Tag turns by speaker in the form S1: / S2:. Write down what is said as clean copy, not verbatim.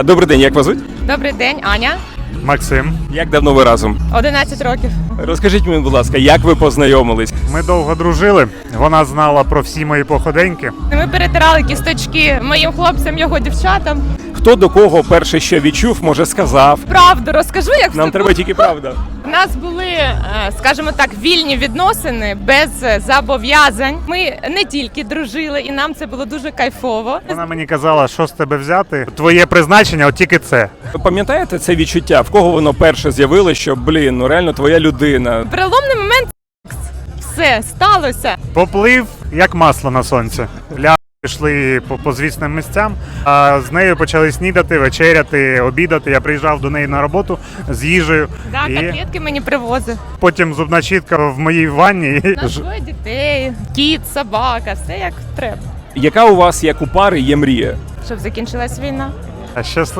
S1: Добрий день, як вас звуть?
S2: Добрий день, Аня.
S3: Максим.
S1: Як давно ви разом?
S2: 11 років.
S1: Розкажіть мені, будь ласка, як ви познайомились?
S3: Ми довго дружили. Вона знала про всі мої походеньки.
S2: Ми перетирали кісточки моїм хлопцям, його дівчатам.
S1: Хто до кого перше що відчув, може сказав?
S2: Правду розкажу, як
S1: Нам
S2: все
S1: треба
S2: було.
S1: тільки правда.
S2: У нас були, скажімо так, вільні відносини без зобов'язань. Ми не тільки дружили, і нам це було дуже кайфово.
S3: Вона мені казала, що з тебе взяти. Твоє призначення, от тільки це.
S1: Ви пам'ятаєте це відчуття? В кого воно перше з'явилося, що, ну реально твоя людина?
S2: Переломний момент все сталося.
S3: Поплив, як масло на сонці. Пішли по звісним місцям, а з нею почали снідати, вечеряти, обідати. Я приїжджав до неї на роботу з їжею.
S2: Да,
S3: І
S2: котлетки мені привозив.
S3: потім зубна щітка в моїй ванні.
S2: У нас двоє дітей, кіт, собака, все як треба.
S1: Яка у вас, як у пари, є мрія?
S2: Щоб закінчилась війна.
S3: Щасливо.